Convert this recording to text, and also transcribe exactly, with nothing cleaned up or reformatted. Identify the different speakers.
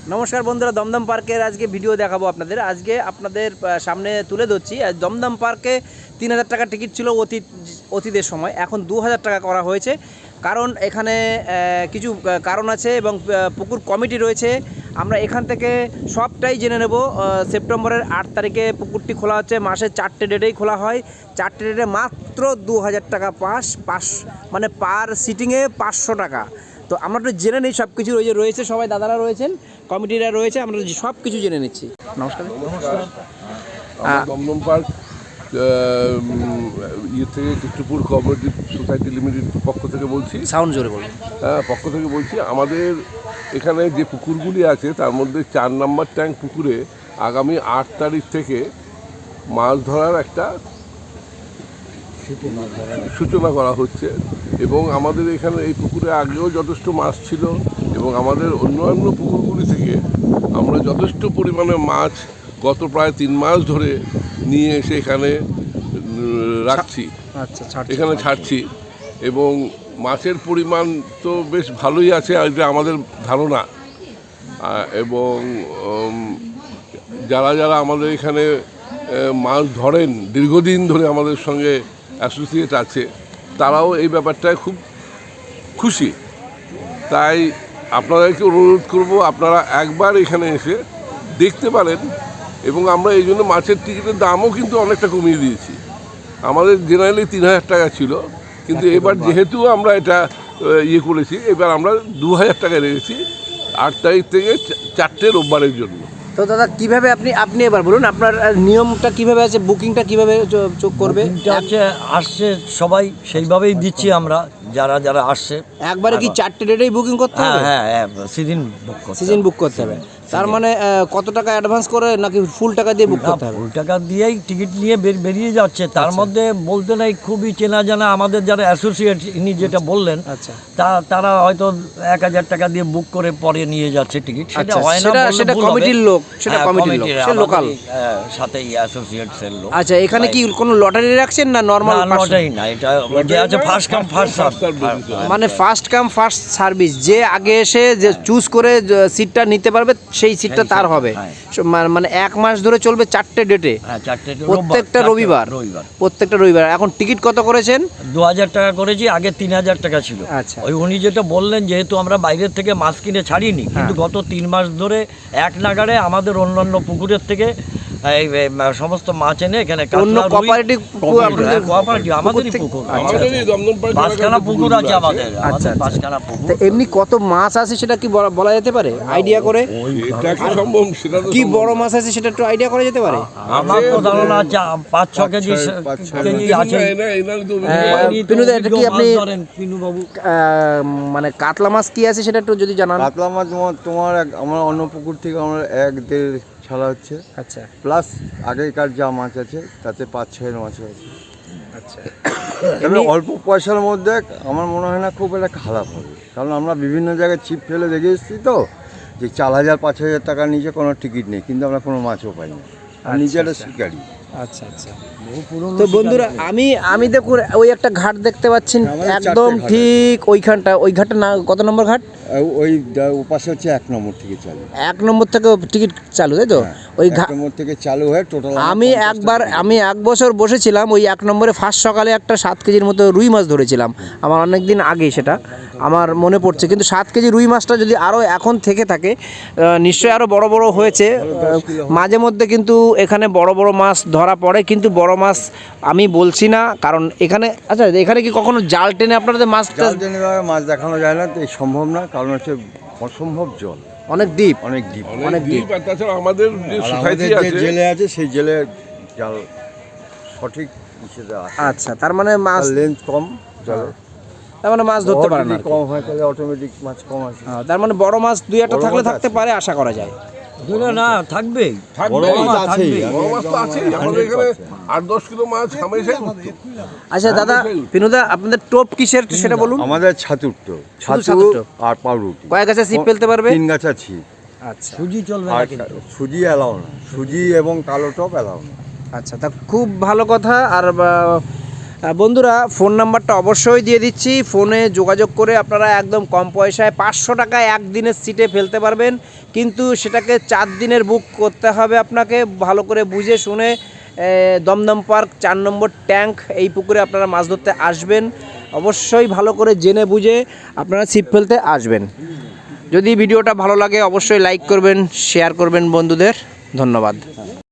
Speaker 1: নমস্কার বন্ধুরা, দমদম পার্কের আজকে ভিডিও দেখাবো আপনাদের। আজকে আপনাদের সামনে তুলে ধরছি দমদম পার্কে তিন হাজার টাকা টিকিট ছিল অতীত অতীতের সময়, এখন দু হাজার টাকা করা হয়েছে। কারণ এখানে কিছু কারণ আছে এবং পুকুর কমিটি রয়েছে। আমরা এখান থেকে সবটাই জেনে নেব। সেপ্টেম্বরের আট তারিখে পুকুরটি খোলা হচ্ছে, মাসের চারটে ডেটেই খোলা হয়। চারটে ডেটে মাত্র দু হাজার টাকা পাস পাস মানে পার সিটিংয়ে পাঁচশো টাকা। তো আমরা একটু জেনে নিই সব কিছু রয়েছে, সবাই দাদারা রয়েছেন, কমিটিরা রয়েছে, আমরা সব কিছু জেনে নিচ্ছি। নমস্কার।
Speaker 2: নমস্কার। দমদম পার্ক ইয়ে থেকে কৃষ্ণপুর কোঅপারেটিভ সোসাইটি লিমিটেড পক্ষ থেকে বলছি।
Speaker 1: সাউন্ড জোরে বলুন।
Speaker 2: হ্যাঁ, পক্ষ থেকে বলছি। আমাদের এখানে যে পুকুরগুলি আছে তার মধ্যে চার নম্বর ট্যাঙ্ক পুকুরে আগামী আট তারিখ থেকে মাছ ধরার একটা সূচনা করা হচ্ছে এবং আমাদের এখানে এই পুকুরে আগেও যথেষ্ট মাছ ছিল এবং আমাদের অন্যান্য পুকুরগুলি থেকে আমরা যথেষ্ট পরিমাণে মাছ গত প্রায় তিন মাস ধরে নিয়ে এসে এখানে রাখছি, এখানে ছাড়ছি এবং মাছের পরিমাণ তো বেশ ভালোই আছে, এটা আমাদের ধারণা। এবং যারা যারা আমাদের এখানে মাছ ধরেন দীর্ঘদিন ধরে আমাদের সঙ্গে অ্যাসোসিয়েট আছে, তারাও এই ব্যাপারটায় খুব খুশি। তাই আপনাদেরকে অনুরোধ করব আপনারা একবার এখানে এসে দেখতে পারেন। এবং আমরা এই জন্য মাছের টিকিটের দামও কিন্তু অনেকটা কমিয়ে দিয়েছি। আমাদের জেনারেলি তিন হাজার টাকা ছিল, কিন্তু এবার যেহেতু আমরা এটা ইয়ে করেছি, এবার আমরা দু হাজার টাকায় রেখেছি আট তারিখ থেকে চারটে রোববারের জন্য।
Speaker 1: তো দাদা কীভাবে আপনি আপনি এবার বলুন আপনার নিয়মটা কীভাবে আছে, বুকিংটা কীভাবে চোখ করবে?
Speaker 3: হচ্ছে আসছে সবাই সেইভাবেই দিচ্ছি আমরা, যারা যারা আসছে
Speaker 1: একবারে কি চারটে ডেটেই বুকিং করতে হবে?
Speaker 3: হ্যাঁ হ্যাঁ, সিজন বুক করতে
Speaker 1: সিজন বুক করতে হবে। তার মানে কত টাকা অ্যাডভান্স করে নাকি ফুল টাকা দিয়ে বুক করতে হবে?
Speaker 3: ফুল টাকা দিয়েই টিকিট নিয়ে বেরিয়ে যাচ্ছে। তার মধ্যে বলতে নাই খুবই চেনা জানা আমাদের যারা অ্যাসোসিয়েট ইনি যেটা বললেন,
Speaker 1: আচ্ছা,
Speaker 3: তা তারা হয়তো এক হাজার টাকা দিয়ে বুক করে পরে নিয়ে যাচ্ছে টিকিট। সেটা হয় না,
Speaker 1: সেটা কমিটির লোক, সেটা কমিটির লোক, সে লোকাল
Speaker 3: সাথেই অ্যাসোসিয়েটসের লোক।
Speaker 1: আচ্ছা, এখানে কি কোনো লটারি রাখছেন না নরমাল?
Speaker 3: লটারি না, এটা যে আছে ফার্স্ট কাম ফার্স্ট সার্ভ,
Speaker 1: মানে ফার্স্ট কাম ফার্স্ট সার্ভিস। যে আগে এসে যে চুজ করে সিটটা নিতে পারবে সেই সিটটা তার হবে। মানে এক মাস ধরে চলবে চারটে ডেটে, প্রত্যেকটা রবিবার প্রত্যেকটা রবিবার। এখন টিকিট কত করেছেন?
Speaker 3: দু হাজার টাকা করেছি, আগে তিন হাজার টাকা ছিল।
Speaker 1: আচ্ছা,
Speaker 3: ওই উনি যেটা বললেন, যেহেতু আমরা বাইরের থেকে মাছ কিনে ছাড়িনি, কিন্তু গত তিন মাস ধরে এক নাগাড়ে আমাদের অন্যান্য পুকুরের থেকে এই সমস্ত মাছ এনে এখানে
Speaker 1: কোঅপারেটিভ
Speaker 3: কোঅপারেটিভ আমাদেরই পুকুর, পাঁচখানা পুকুর আছে আমাদের।
Speaker 1: আচ্ছা,
Speaker 3: পাঁচখানা পুকুর।
Speaker 1: এমনি কত মাছ আছে সেটা কি বলা যেতে পারে আইডিয়া করে? কি বড় মাছ আছে সেটা একটু আইডিয়া করা যেতে পারে?
Speaker 3: আমার তো ধারণা আছে পাঁচ ছ কেজি কেজি আছে।
Speaker 1: পিনুদা, এটা কি আপনি মানে কাতলা মাছ কি আছে সেটা একটু যদি জানান।
Speaker 4: কাতলা মাছ তোমার তোমার আমার অন্য পুকুর থেকে আমরা এক দেড় ছাড়া হচ্ছে।
Speaker 1: আচ্ছা, প্লাস
Speaker 4: আগেকার যা মাছ আছে তাতে পাঁচ ছয়ের মাছ আছে।
Speaker 1: আচ্ছা,
Speaker 4: তবে অল্প পয়সার মধ্যে আমার মনে হয় না খুব একটা খারাপ হবে, কারণ আমরা বিভিন্ন জায়গায় ছিপ ফেলে দেখে এসেছি তো, যে চার হাজার পাঁচ হাজার টাকার নিচে কোনো টিকিট নেই, কিন্তু আমরা কোনো মাছও পাই না। আর নিজে একটা শিকারি।
Speaker 1: আচ্ছা আচ্ছা। তো বন্ধুরা, আমি আমি দেখুন ওই একটা ঘাট দেখতে পাচ্ছেন, একদম ঠিক ওইখানটা, ওই ঘাটটা না কত নম্বর ঘাট?
Speaker 4: ওই পাশে হচ্ছে এক নম্বর থেকে চালু,
Speaker 1: এক নম্বর থেকে টিকিট চালু, তাই তো? ওই
Speaker 4: এক নম্বর থেকে চালু হয়ে টোটাল
Speaker 1: আমি একবার আমি এক বছর বসেছিলাম ওই এক নম্বরে। ফার্স্ট সকালে একটা সাত কেজির মতো রুই মাছ ধরেছিলাম, আমার অনেক দিন আগে, সেটা আমার মনে পড়ছে। কিন্তু সাত কেজি রুই মাছটা যদি আরও এখন থেকে থাকে নিশ্চয়ই আরও বড় বড় হয়েছে মাঝে মধ্যে। কিন্তু এখানে বড় বড় মাছ ধরা পড়ে, কিন্তু বড় মাছ আমি বলছি না, কারণ এখানে আচ্ছা এখানে কি কখনো জাল টেনে আপনাদের মাছ
Speaker 4: টেনে মাছ দেখানো যায় না, তো সম্ভব না, কারণ হচ্ছে অসম্ভব জল,
Speaker 1: অনেক ডিপ,
Speaker 4: অনেক ডিপ,
Speaker 2: অনেক ডিপ। আর তাছাড়া আমাদের যে সোসাইটি আছে,
Speaker 4: জেলে আছে, সেই জেলে জাল সঠিক হিসেবে আছে।
Speaker 1: আচ্ছা, তার মানে মাছ
Speaker 4: লেন্থ কম, জল
Speaker 1: তার মানে মাছ ধরতে পারে না,
Speaker 4: কম হয় তাহলে অটোমেটিক মাছ কম আসে।
Speaker 1: তার মানে বড় মাছ দুই একটা থাকলে থাকতে পারে, আশা করা যায়।
Speaker 3: না থাকবেই,
Speaker 2: আট দশ কিলো মাছ হামেশাই।
Speaker 1: আচ্ছা দাদা, পিনুদা আপনাদের টোপ কিসের সেটা বলুন।
Speaker 4: আমাদের ছাতুর টোপ, ছাতু আর পাউরুটি।
Speaker 1: কয় গাছা ছিপ ফেলতে পারবে?
Speaker 4: তিন গাছা ছিপ।
Speaker 1: আচ্ছা,
Speaker 3: সুজি চলবে না, কিন্তু
Speaker 4: সুজি এলাও না, সুজি এবং কালো টপ এলাও না।
Speaker 1: আচ্ছা, তা খুব ভালো কথা। আর আহ, বন্ধুরা ফোন নাম্বারটা অবশ্যই দিয়ে দিচ্ছি, ফোনে যোগাযোগ করে আপনারা একদম কম পয়সায় পাঁচশো টাকায় একদিনের সিটে ফেলতে পারবেন, কিন্তু সেটাকে চার দিনের বুক করতে হবে আপনাকে ভালো করে বুঝে শুনে। আহ, দমদম পার্ক চার নম্বর ট্যাঙ্ক এই পুকুরে আপনারা মাছ ধরতে আসবেন, অবশ্যই ভালো করে জেনে বুঝে আপনারা ছিপ ফেলতে আসবেন। যদি ভিডিওটা ভালো লাগে অবশ্যই লাইক করবেন, শেয়ার করবেন বন্ধুদের। ধন্যবাদ।